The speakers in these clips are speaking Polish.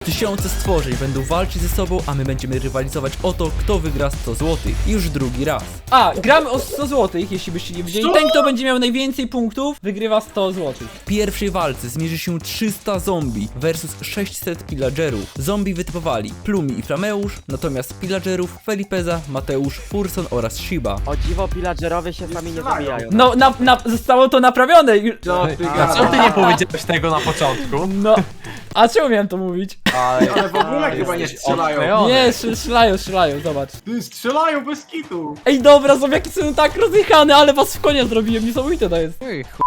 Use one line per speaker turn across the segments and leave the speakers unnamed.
Tysiące stworzeń będą walczyć ze sobą, a my będziemy rywalizować o to, kto wygra 100 zł. Już drugi raz.
A, gramy o 100 zł, jeśli byście nie wiedzieli. Ten, kto będzie miał najwięcej punktów, wygrywa 100 zł.
W pierwszej walce zmierzy się 300 zombie versus 600 pillagerów. Zombie wytypowali Plumi i Flameusz, natomiast pillagerów Felipeza, Mateusz, Furson oraz Shiba.
O dziwo, pillagerowie się sami nie zabijają.
No, zostało to naprawione.
A co ty nie powiedziałeś tego na początku?
No, a czemu miałem to mówić?
Ale w ogóle chyba nie strzelają.
Nie, strzelają, zobacz.
Ty, strzelają bez kitu.
Ej, dobra, zombiaki są tak rozjechane, ale was w konia zrobiłem, niesamowite to jest.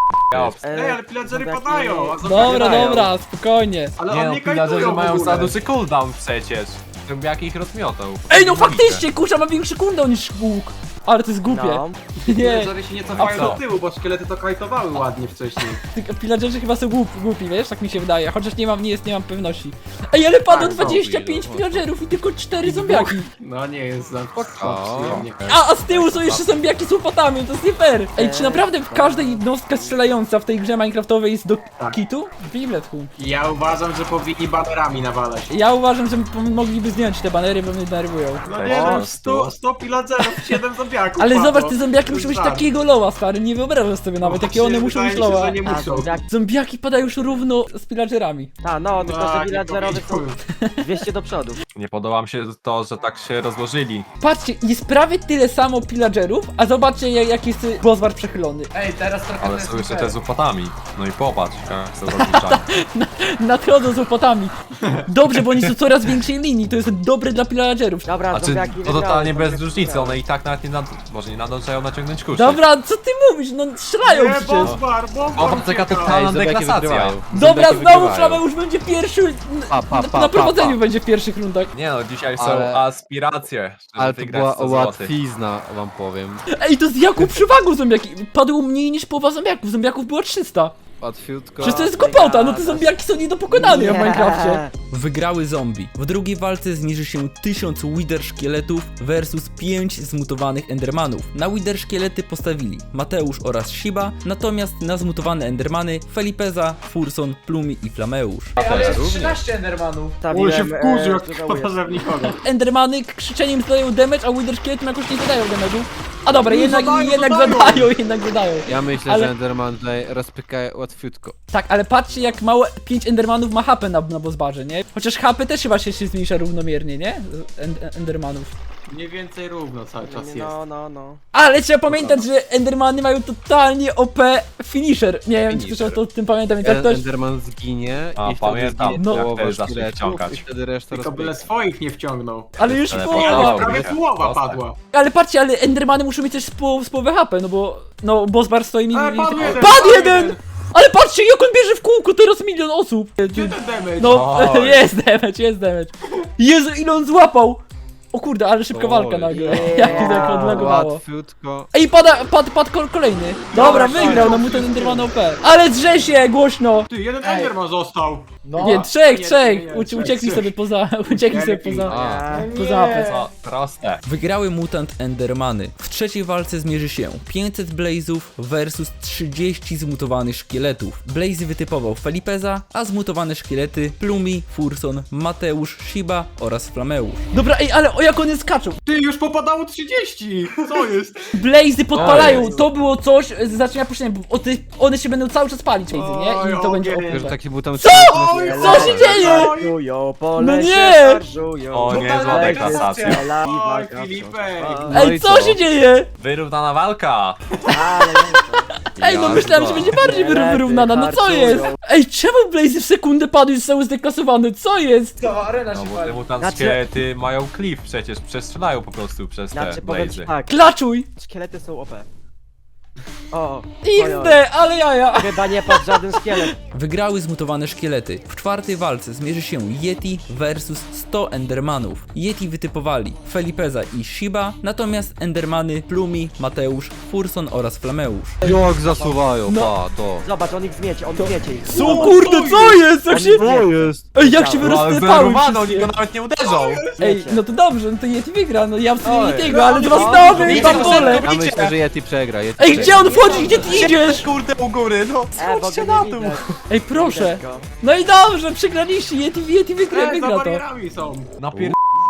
Ej, ale pillagery padają. A zombie
Dobra,
nie dają.
dobra, spokojnie.
Ale
Nie
on
no,
nie
pillagerzy
kajtują w
mają
ogóle.
za duży cooldown przecież. Zombiaki ich rozmiotą.
Ej, no faktycznie, kurczę, ma większy cooldown niż łuk. Ale to jest głupie.
No.
Nie,
Pillagery się nie
A
cofają
co?
do tyłu, bo szkielety to kajtowały ładnie wcześniej.
tylko pillagerzy chyba są głupi, wiesz, tak mi się wydaje, chociaż nie mam pewności. Ej, ale padło
Tak,
25 pillagerów i tylko 4 zombiaki.
No nie jest za przyjemnie.
A z tyłu są jeszcze zombiaki z łopatami, to jest nie fair. Ej, czy naprawdę każda jednostka strzelająca w tej grze minecraftowej jest do kitu? Bibletku.
Ja uważam, że powinni banerami nawalać.
Ja uważam, że mogliby zdjąć te banery, bo mnie denerwują.
No nie no, 100 pillagerów, 7 zombiaków.
Ale
padło.
zobacz, te zombiaki
To
muszą mieć
jest żart.
takiego loła, stary, nie wyobrażasz sobie nawet,
No
jakie one
właśnie,
muszą mieć
wydaje się,
loła.
że nie
A,
muszą.
zombiaki.
Zombiaki padają już równo z pillagerami.
No, tylko że
Tak, nie
villagerowie są
powiedziałem.
200 do przodu.
Nie podoba mi się to, że tak się rozłożyli.
Patrzcie, jest prawie tyle samo pillagerów, a zobaczcie jak jest bossbar przechylony.
Ej, teraz trochę
Ale
to jest
są jeszcze
fair.
te z łopatami. No i popatrz, jak są rozliczani.
Nadchodzą z łopatami. Dobrze, bo oni są coraz większej linii, to jest dobre dla pillagerów.
Dobra,
Znaczy,
zombiaki
to
wygrały,
totalnie bez
zombiaki
różnicy,
wygrały.
one i tak nawet nie może nie nadążają naciągnąć kuszy.
Dobra, co ty mówisz? No strzelają
Nie,
przecież.
bossbar,
O, taka totalna deklasacja.
Dobra, znowu Flameusz będzie pierwszy. Na prowadzeniu będzie w pierwszych rundach.
Nie no, dzisiaj są
Ale-
aspiracje, żeby
Ale to
wygrać
była
100 złotych.
łatwizna, wam powiem.
Ej, to z jaką przewagą zombiaki? Padło mniej niż połowa zombiaków. Zombiaków było 300.
Łatwiutko.
Przecież to jest głupota, no te zombiaki są nie do pokonania w Minecrafcie.
Wygrały zombie. W drugiej walce zmierzy się 1000 Wither szkieletów versus 5 zmutowanych endermanów. Na Wither szkielety postawili Mateusz oraz Shiba, natomiast na zmutowane endermany Felipeza, Furson, Plumi i Flameusz.
Ale jest 13 endermanów.
On się wkurzył, jak
żałuję.
wpada, że w nikogo.
Endermany krzyczeniem zadają damage, a Wither szkieletom jakoś nie zadają damage'u. A dobra, jednak zadają.
Ja myślę,
Ale-
że Enderman tutaj rozpyka łatwiutko.
Tak, ale patrzcie jak mało 5 endermanów ma HP na bossbarze, nie? Chociaż HP też chyba się zmniejsza równomiernie, nie? Endermanów.
Mniej więcej równo cały czas jest.
No.
Ale trzeba pamiętać, że endermany mają totalnie OP finisher. Nie wiem, czy ktoś o tym pamięta, więc jak ktoś...
Enderman zginie
A,
i wtedy
pamiętam,
zginie
no.
jak
połowa
też zacznie
szkieletów
wciągać.
i wtedy reszta
Tylko byle
rozpyka.
swoich nie wciągnął.
Ale już
Ale
połowa.
podobał
Prawie
mi się.
połowa
Postać.
padła.
Ale patrzcie, ale endermany muszą mieć też z połowę HP, no bo... No, bossbar stoi mi...
Padł jeden!
Padł jeden! Ale patrzcie, jak on bierze w kółko, teraz 1 milion osób!
Gdzie ten damage?
No,
Oj.
jest damage. Jezu, ile on złapał! O kurde, ale szybka walka nagle. Jak to tak odlagowało.
Łatwiutko.
Ej, padł kolejny. Dobra, wygrał, no mu ten enderman OP. Ale drze się głośno!
Ty, jeden enderman został.
No.
Nie, trzech.
nie,
Uciekli
trzech.
sobie poza... Uciekli sobie poza... Poza apę.
Co? Proste.
Wygrały mutant endermany. W trzeciej walce zmierzy się 500 blazów versus 30 zmutowanych szkieletów. Blazy wytypował Felipeza, a zmutowane szkielety Plumi, Furson, Mateusz, Shiba oraz Flameusz.
Dobra, ej, ale o jak one skaczą!
Ty, już popadało 30! Co jest?
Blazy podpalają,
Oj.
to było coś, zaczyna puszczenie, bo one się będą cały czas palić, Blazy, nie? I to
Oj,
będzie
ogień.
Że
OP.
taki był tam...
Co? Co się dzieje?
Szarżują, po
No
lesie
nie!
szarżują.
O, niezła
Totalna
deklasacja.
deklasacja.
Oj, Filipek!
No
Ej,
i
co się dzieje?
Wyrównana walka.
Ej, no myślałem, że będzie bardziej wyrównana, no co jest? Ej, czemu Blazy w sekundę padł i zostały zdeklasowane, co jest?
To arena
No
się
bo te
pali.
mutant
Znaczy-
szkielety mają cliff przecież, przestrzelają po prostu przez te
Znaczy, powiem ci
blazy.
tak,
Klaczuj!
szkielety są OP. O,
XD, ale jaja!
chyba nie padł żaden szkielet.
Wygrały zmutowane szkielety. W czwartej walce zmierzy się Yeti versus 100 endermanów. Yeti wytypowali Felipeza i Shiba, natomiast endermany Plumi, Mateusz, Furson oraz Flameusz.
Jak zasuwają,
No.
pa, to.
Zobacz, on ich zmiecie ich.
Co kurde, co jest? Jak się...
To jest.
Ej, jak się
No, ale
wyrozsypały
zdenerwowano, oni
wszystkie.
go nawet nie uderzą.
Ej, no to dobrze, no to Yeti wygra, no ja w sumie
Oj.
Yetiego, ale
No,
dwa
no,
znowu
no,
i
no,
tam
no,
pole.
no,
Ja myślę, że Yeti przegra. Yeti
Ej,
przegra.
gdzie on wchodzić, gdzie ty idziesz?
Kurde u góry, no.
bo
Chodźcie
go
na
nie
dół.
widać.
Ej, proszę.
Widać go.
No i dobrze, przegraliście, Yeti wygra
Za
to.
barierami są.
Napier...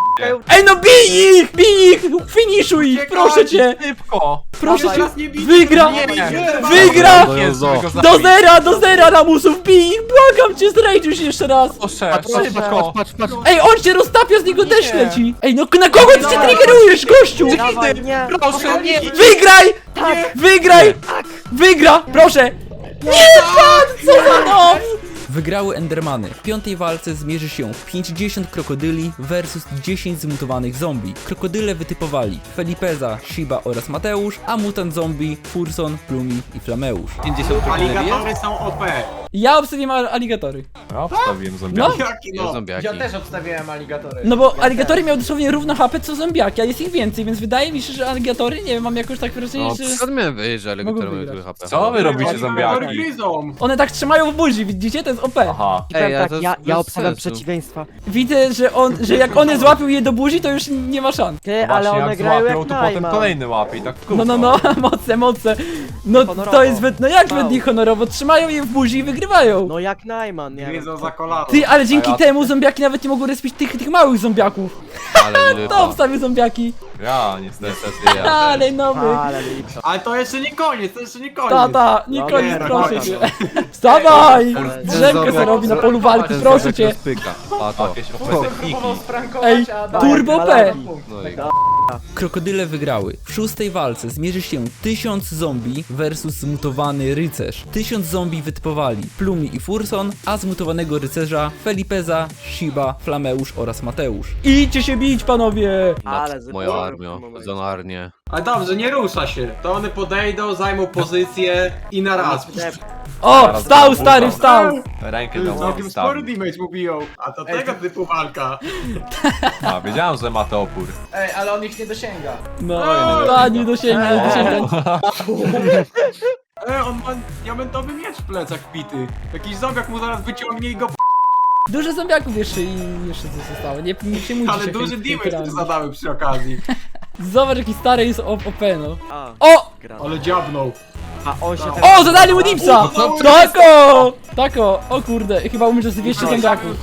Ej, no bij ich! Bij ich! Finiszuj ich,
Uciekaj!
proszę cię!
Szybko.
Proszę cię!
Teraz nie bijcie,
Wygra!
nie bijcie,
Wygra!
Do
Jest,
Jozo.
żeby go
Do
zabić.
do zera lamusów, bij ich! Błagam cię, zdrajdzisz jeszcze raz!
Proszę, szybko.
Patrz.
Ej, on cię roztapia, z niego deszcz leci! Ej, no na kogo ty się triggerujesz, gościu?
Dawaj, nie!
Proszę, nie.
Wygraj! Wygraj! Wygra! Proszę! Nie, pan! Co za nos! Wygrały Endermany. W piątej walce zmierzy się 50 krokodyli versus 10 zmutowanych zombie. Krokodyle wytypowali Felipeza, Shiba oraz Mateusz, a mutant zombie Furson, Plumi i Flameusz.
50 krokodyli jest?
Aligatory są OP.
Ja obstawiam aligatory.
Ja wstawiłem zombiaki.
Jaki
Ja
no?
zombiaki.
Ja też obstawiałem aligatory.
No bo aligatory miały dosłownie równo HP co zombiaki, a jest ich więcej, więc wydaje mi się, że aligatory, nie wiem, mam jakoś tak wrażenie,
No,
że...
skąd miałem wiedzieć, że
Mogą
alligatory mają
wygrać.
tyle HP?
Co wy robicie,
Aligatory
zombiaki?
gryzą.
One tak trzymają w buzi, widzicie? To jest OP.
Aha.
I powiem
Ej, a
tak,
to
ja
bez
obstawiam
sensu.
przeciwieństwa.
Widzę, że jak one złapią je do buzi, to już nie ma szans.
Ty,
Właśnie
ale one
jak
grają
złapią,
jak
to potem
Najman.
kolejny łapie i tak w kółko.
No, moce. No
Honorowo.
to jest, no jak
Wow.
według honorowo, trzymają je w buzi i wygrywają.
No jak Najman, nie wiem.
Gryzą za kolano.
Ty, ale dzięki
A ja-
temu zombiaki nawet nie mogą respić tych małych zombiaków.
Ale
To
lipa.
obstawię zombiaki.
Ja niestety.
Niestety ja.
Ale nowy.
Ale lipa.
Ale to jeszcze nie koniec, to jeszcze nie koniec.
Tata, nie
No
koniec,
nie,
proszę
no
cię.
nie.
Wstawaj!
Ale-
Drzemkę se robi na polu walki,
Ten
proszę
zombiak
cię.
rozpyka. A to.
Jakieś OP techniki.
Próbował sprankować,
Ej,
a
turbo P.
dawaj,
No i
Krokodyle wygrały. W szóstej walce zmierzy się 1000 zombie versus zmutowany rycerz. 1000 zombie wytypowali Plumi i Furson, a zmutowanego rycerza Felipeza, Shiba, Flameusz oraz Mateusz. Idźcie się bić, panowie!
Ale
moja
zepsułem
armia,
w tym momencie.
zonarnie.
Ale dobrze, nie rusza się. To one podejdą, zajmą pozycję i na raz.
O, wstał stary, wstał!
Rękę
Ty,
dał
całkiem spory
wstawił.
damage mu biją. A to tego typu walka.
A, wiedziałem, że ma to opór.
Ej, ale on ich nie dosięga.
No, nie dosięgnie.
On ma diamentowy miecz w plecach pity. Jakiś zombiak mu zaraz wyciągnie i go
Dużo zombiaków jeszcze i jeszcze coś zostało. Nie przejmujcie
ale
się
duży damage
hejterami.
też zadały przy okazji.
Zobacz jaki stary jest OP, no.
A,
O!
Ale dziabnął.
a on się
O, zadali mu dipsa! Tako! Tako! O kurde, chyba umrze z 200 zombiaków.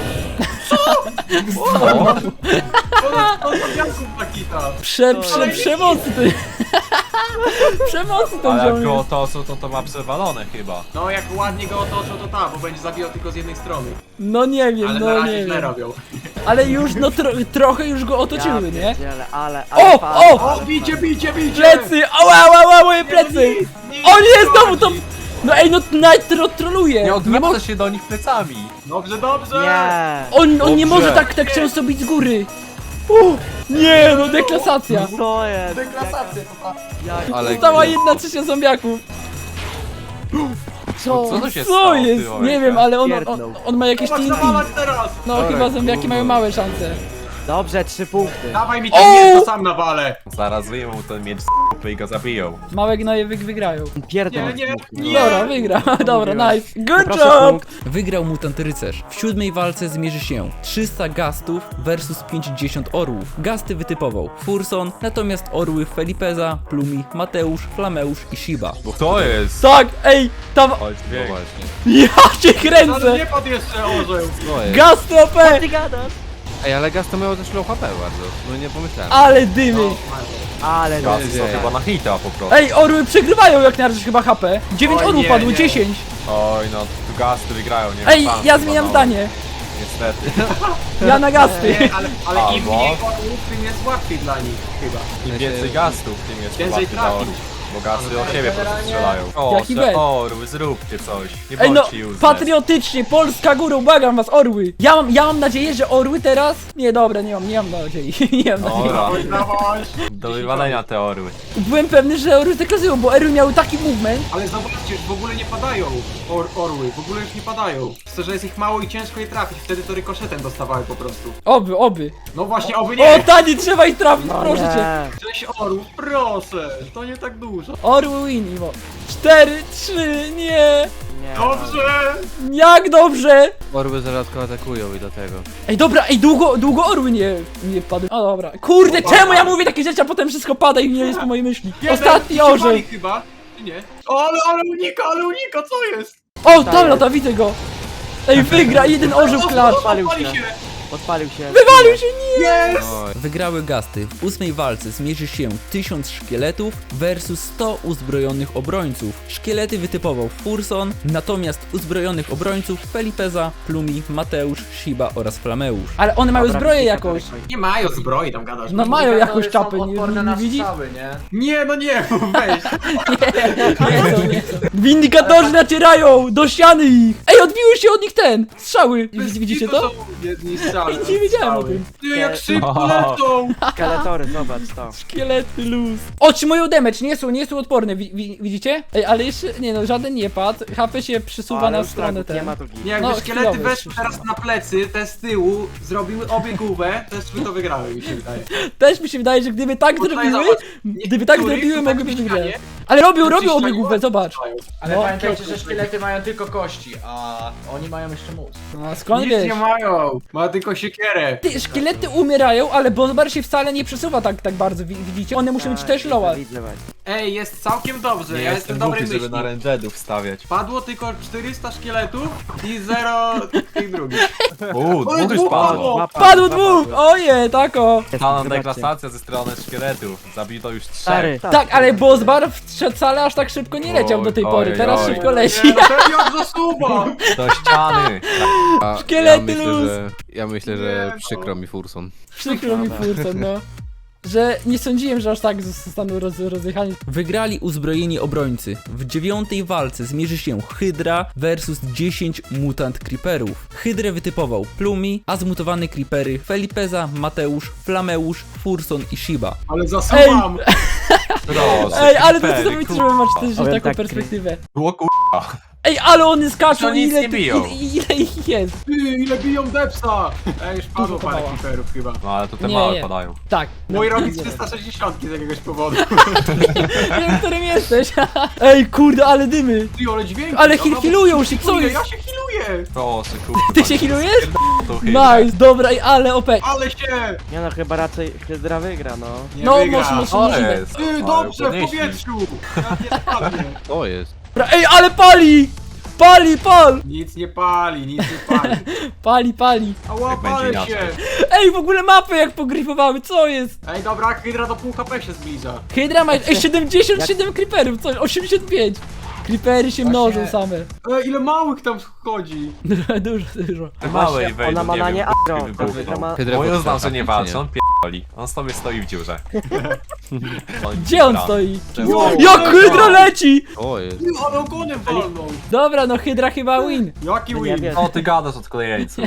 To zombiaków Pakita.
Przemocy ty. Przemocy ten
Ale jak
ziom
go
jest.
otoczą, to ma przewalone chyba.
No jak ładnie go otoczą, to ta, bo będzie zabijał tylko z jednej strony.
No nie wiem,
Ale na
no
razie
nie
źle
wiem.
robią.
Ale już no trochę już go otoczyły, nie?
Ale
O,
fajnie,
o!
ale
Bicie!
Plecy! Ała, moje plecy! O nie, znowu to...
chodzi.
No ej, no Night troluje!
Nie
Nie
odwraca
mo...
się do nich plecami.
Dobrze, dobrze!
Nie!
On nie
Dobrze.
może tak często bić z góry! Nie, no deklasacja!
Co jest?
Deklasację to ta.
Jak...
Ale
Została 1/3 zombiaków!
Co to się
Co
stało,
jest?
ty,
Nie
Olejka?
wiem, ale
Pierdnął.
on ma jakieś
Chodź
TNT.
nawalać teraz!
No
Dobra,
chyba zombiaki
kurwa.
mają małe szanse.
Dobrze, 3 punkty.
Dawaj mi
O!
ten miecz, to sam nawalę!
Zaraz wyjmą mu ten miecz z i go zabiją.
Małe gnoje wygrają.
Pierdol.
Nie!
Dobra, wygra. Dobra, nice. Good
Proszę
job!
punkt.
Wygrał mutant rycerz. W siódmej walce zmierzy się 300 gastów versus 50 orłów. Gasty wytypował Furson, natomiast orły Felipeza, Plumi, Mateusz, Flameusz i Shiba.
Bo to jest?
Tak, ej, tam...
Chodź,
No
bieg.
właśnie.
Ja cię
Ale
kręcę!
nie pod jeszcze orzeł!
No jest.
Gasty OP!
Ty gadasz?
Ej, ale Gaz to miało też low HP bardzo. No nie pomyślałem.
Ale dymy!
Ale
Gasy są
dzieje?
chyba na hita po prostu.
Ej, orły przegrywają jak na razie chyba HP. 9
Oj,
orłów
nie,
padło,
nie.
10.
Oj no, tu gasty wygrają, nie
Ej,
ma szans
ja
chyba,
zmieniam
no.
zdanie.
Niestety.
Ja na gasty.
Nie, ale im
Albo-
mniej orłów, tym jest łatwiej dla nich chyba.
Im więcej gastów, tym jest
Więcej
łatwiej dla
trafi.
orłów. Bo gasty o siebie po prostu strzelają.
Jaki
O,
bet?
orły, zróbcie coś. Nie
Ej no,
bądźcie useless.
patriotycznie, Polska górą, błagam was, orły. Ja mam nadzieję, że orły teraz... Nie, dobra, nie mam nadziei. Nie mam nadziei.
Dobra,
Dawaj, dawaj!
do wywalenia te orły.
Byłem pewny, że orły deklazują, bo orły miały taki movement.
Ale zobaczcie, w ogóle nie padają orły, w ogóle już nie padają. To, że jest ich mało i ciężko je trafić, wtedy to rykoszetem dostawały po prostu.
Oby.
No właśnie, oby
O,
nie!
tani, trzeba ich trafić, proszę cię.
Nie.
6 orłów, proszę! To nie tak dużo.
Orły win, Imo. 4, 3, nie.
Nie.
Dobrze!
Jak dobrze.
Orby zaradko atakują i dlatego.
Ej, dobra, ej, długo orły nie padły. O, dobra. Kurde, czemu ja mówię takie rzeczy, a potem wszystko pada i nie jest po mojej myśli.
Jeden,
Ostatni
się
orzeł.
wali chyba. czy nie? O, ale unika, co jest?
O, tam lata, widzę go! Ej, wygra, jeden orzeł klacz!
Odpalił
Pali
się.
się!
Odpalił się.
Wywalił się, nie!
Jest!
Oj.
Wygrały Gasty. W 8 walce zmierzy się 1000 szkieletów versus 100 uzbrojonych obrońców. Szkielety wytypował Furson, natomiast uzbrojonych obrońców Felipeza, Plumi, Mateusz, Shiba oraz Flameusz.
Ale one mają
Dobra,
zbroję
widzę,
jakąś.
Nie mają zbroi, tam gadasz.
No mają
Aligatory
jakąś
są
czapę,
odporne
nie
na
widzisz?
strzały, nie?
Nie, no nie, weź.
Nie są, nie są. Windykatorzy nacierają do ściany ich! Ej, odbiły się od nich strzały! Widzicie to?
są jedni strzały.
Nie wiedziałem o tym.
Ty, jak szybko lecą!
Skeletory, zobacz to.
Szkielety luz. Otrzymują damage, nie są odporne, widzicie? Ej, ale jeszcze, nie no, żaden nie padł. HP się przysuwa
Ale
na
już
stronę
fragów nie
ten.
ma to git.
Nie, jakby
No,
szkielety
chwilowy,
weszły teraz na plecy, te z tyłu, zrobiły obiegówę, też by to wygrały, mi się wydaje.
Też mi się wydaje, że gdyby tak
Tutaj
zrobiły,
zobacz,
gdyby tak
niektórych
zrobiły,
tutaj
mogłyby
ścianie
wygrać. Ale robią
Czyszczają,
obiegówę, zobacz.
Ale
No,
pamiętajcie, że szkielety mają tylko kości, a oni mają jeszcze mózg.
No, skąd
Nic
wiesz?
nie mają, ma tylko siekierę.
Ty, szkielety umierają, ale Bozbar się wcale nie przesuwa tak bardzo, widzicie? One muszą mieć też loa.
Widzę właśnie.
Ej, jest całkiem dobrze,
Nie
ja
jestem
jestem dobrej
głupi, żeby
myśli.
na rangeadów stawiać.
Padło tylko 400 szkieletów i 0 tych drugich.
Dwóch już
dwóch
padło.
padło.
Padło dwóch! Oje, tako!
Pana deklasacja ze strony szkieletów. Zabito już 3.
Stary.
Tak, ale Bozbar wcale aż tak szybko nie leciał do tej
Oj,
pory,
oj,
teraz
oj.
szybko leci.
Nie, no ten jak zasuwa!
Do ściany.
A
Szkielety luz.
ja myślę,
Nie,
że
no.
przykro mi Furson.
Przykro mi Furson, no. Że nie sądziłem, że aż tak zostaną rozjechani.
Wygrali uzbrojeni obrońcy. W 9 walce zmierzy się Hydra versus 10 mutant creeperów. Hydrę wytypował Plumi, a zmutowane creepery Felipeza, Mateusz, Flameusz, Furson i Shiba.
Ale zasuwam!
Proszę.
Ej, ale to
creepery,
niesamowite, że wy macie też
Powiem
taką
tak,
perspektywę.
Było kurwa.
Ej, ale one skaczą,
To nic
ile,
nie biją.
ile ich jest?
Ty, ile biją depsa! Ej, już padło
Dużo to
parę
mała.
creeperów chyba.
No ale to te
Nie,
małe
nie.
padają.
Tak.
Mój robi
Nie
360 z jakiegoś powodu.
wiem, którym jesteś. Ej, kurde, ale dymy.
Ty, ale dźwięki!
Ale
dobra,
healują się, co
healuję,
jest?
Ja się healuję!
Proszę kurwa.
Ty się healujesz?
To hydra.
Nice, dobra, ej, ale OP.
Ale się!
Nie no, chyba raczej Hydra wygra, no.
Nie
No,
wygra.
może-
To
możliwe.
jest.
Ty,
Ale
dobrze, w
podnieśli.
powietrzu! Ja nie spadnę.
To jest.
Dobra, ej, ale pali! Pal!
Nic nie pali, nic nie pali.
Pali.
Ała,
Jak będzie
palę
inaczej.
się!
Ej, w ogóle mapy jak pogryfowały, co jest?
Ej, dobra, Hydra do pół HP się zbliża.
Hydra ma, ej, 77 creeperów, co? 85. Creepery się mnożą same.
Ej, ile małych tam chodzi.
Dużo.
Te małe i wejdą,
Ona ma na nie
wiem,
agro.
kurwa,
Ta
wybuchną.
Hydra ma...
Hydra
Moją znam,
podstawa,
że nie
czy
walczy, on pierdoli. On sobie stoi w dziurze.
Gdzie on stoi?
Wow.
Jak Hydra leci!
To jest.
Ty, ale ogonem walną.
Dobra, no Hydra chyba win.
Jaki
No nie
win?
wiem.
O, ty gadasz od kolejcu.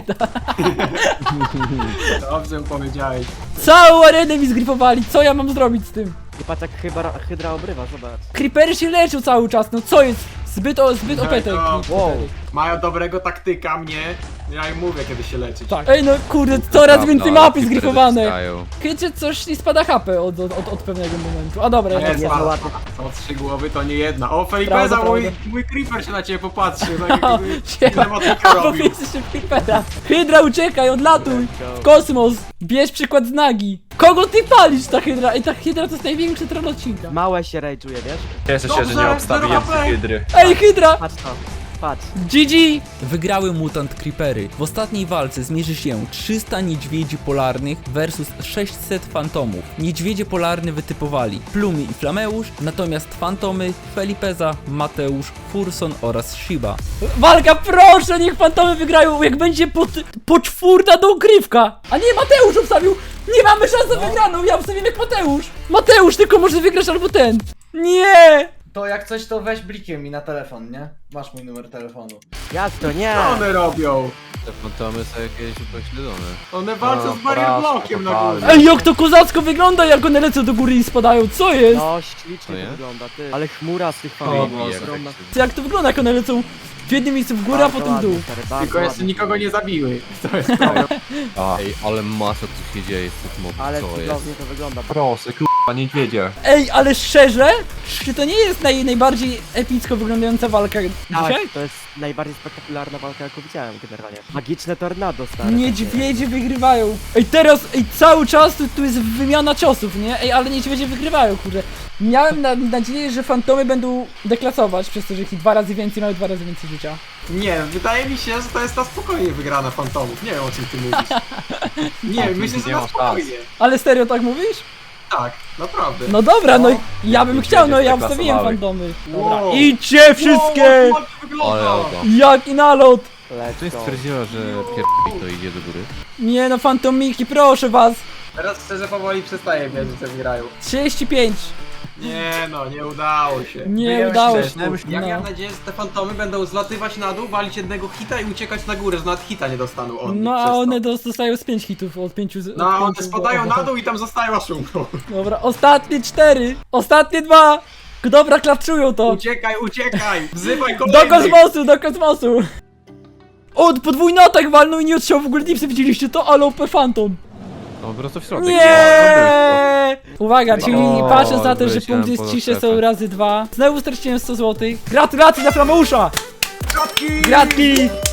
Dobrze powiedziałeś.
Całą arenę mi zgrifowali, co ja mam zrobić z tym?
I patrz jak Hydra obrywa, zobacz.
Creepery się leczą cały czas, no co jest? Zbyt OP te
Wow.
creepery.
Mają dobrego taktyka mnie. Ja im mówię, kiedy się leczyć.
Tak. Ej, no kurde, coraz więcej
Prawda,
mapy
ale
zgrifowane.
dostają.
Chycie coś nie spada HP od pewnego momentu. A dobra,
Nie,
ja
nie,
spada.
ładnie.
Są 3 głowy, to nie jedna. O, Felipeza,
Prawda,
mój creeper się na ciebie popatrzy. Tak
O,
jakby
siema.
cinematykę
A
robił.
powiedzcie się creepera. Hydra, uciekaj, odlatuj! W kosmos! Bierz przykład z Nagi. Kogo ty palisz, ta Hydra? Ej, ta Hydra to jest największy tron odcinka.
Małe się rage'uje, wiesz?
Cieszę się, że nie
Dobrze,
obstawiłem
0 HP.
hydry.
Ej, Hydra!
Patrz to. Patrz.
GG!
Wygrały mutant creepery. W ostatniej walce zmierzy się 300 niedźwiedzi polarnych versus 600 fantomów. Niedźwiedzie polarne wytypowali Plumi i Flameusz, natomiast fantomy Felipeza, Mateusz, Furson oraz Shiba.
Walka, proszę, niech fantomy wygrają, jak będzie poczwórna dogrywka! A nie, Mateusz obstawił! Nie mamy szans na wygraną, ja obstawiam jak Mateusz! Mateusz tylko może wygrać albo ten! Nie!
To jak coś, to weź blikiem mi na telefon, nie? Masz mój numer telefonu.
Jasno, nie!
Co one robią?
Te fantomy są jakieś upośledzone.
One walczą
No,
z barrier
porażka
blockiem na
totalna.
górze.
Ej, jak to kozacko wygląda, jak one lecą do góry i spadają, co jest?
No,
To
ślicznie
nie?
to wygląda, ty. Ale chmura z tych
O,
fanów.
Boże.
ogromna.
Jak to wygląda, jak one lecą w jednym miejscu w górę, a
Bardzo
potem w dół?
ładnie, stary, bardzo
Tylko jeszcze
ładnie.
nikogo nie zabiły. To jest problem.
A,
Ej, ale masa tu się dzieje z tych mobów,
Ale
co jest?
cudownie to wygląda.
Proszę, kurwa, niedźwiedzie.
Ej, ale szczerze, czy to nie jest najbardziej epicko wyglądająca walka dzisiaj?
Tak, to jest najbardziej spektakularna walka, jaką widziałem generalnie. Magiczne tornado, stary.
Niedźwiedzie wygrywają. Ej, teraz, cały czas tu jest wymiana ciosów, nie? Ej, ale niedźwiedzie wygrywają, kurde. Miałem nadzieję, że fantomy będą deklasować, przez to, że ich 2 razy więcej mają 2 razy więcej życia.
Nie, wydaje mi się, że to jest ta spokojnie wygrana fantomów. Nie wiem, o czym ty mówisz. Nie, myślę, że
nie
na
ma szans.
spokojnie.
Ale serio tak mówisz?
Tak, naprawdę.
No dobra, no
No.
ja bym
Niedźwiedzie
chciał, no ja
zdeklasowały.
wstawiłem fantomy. Dobra.
Wow.
Idźcie wszystkie!
Wow, ładnie wygląda.
Ale ogo.
Jaki nalot!
Czy
Let's go.
stwierdziła, że pierdolnik to idzie do góry?
Nie no, fantomiki, proszę was!
Teraz szczerze powoli przestaję wierzyć, że wygrają.
35!
Nie no, nie udało się.
Nie
Byłem
udało
szczerze.
się.
Ja
No.
miałem nadzieję, że te fantomy będą zlatywać na dół, walić jednego hita i uciekać na górę, że nawet hita nie dostaną oni.
No
przez
a
to.
one dostają z 5 hitów, od 5 z...
No,
od
one
pięciu,
spadają
bo-
na dół i tam zostają aż umrą.
Dobra, ostatnie 4! Ostatnie 2! Dobra, klapczują to!
Uciekaj, uciekaj! Wzywaj
Do
kolejnych!
kosmosu, do kosmosu! O, podwójny atak walnął i nie odciął w ogóle dipsy, widzieliście to? Ale OP Phantom!
No po prostu w środek.
Nie! Uwaga, czyli
O,
patrząc na to, że
wyleciałem
punkt jest
poza
ciszy, są
strefę.
razy 2. Znowu straciłem 100 zł. Gratulacje dla Flameusza!
Kratki!
Gratki!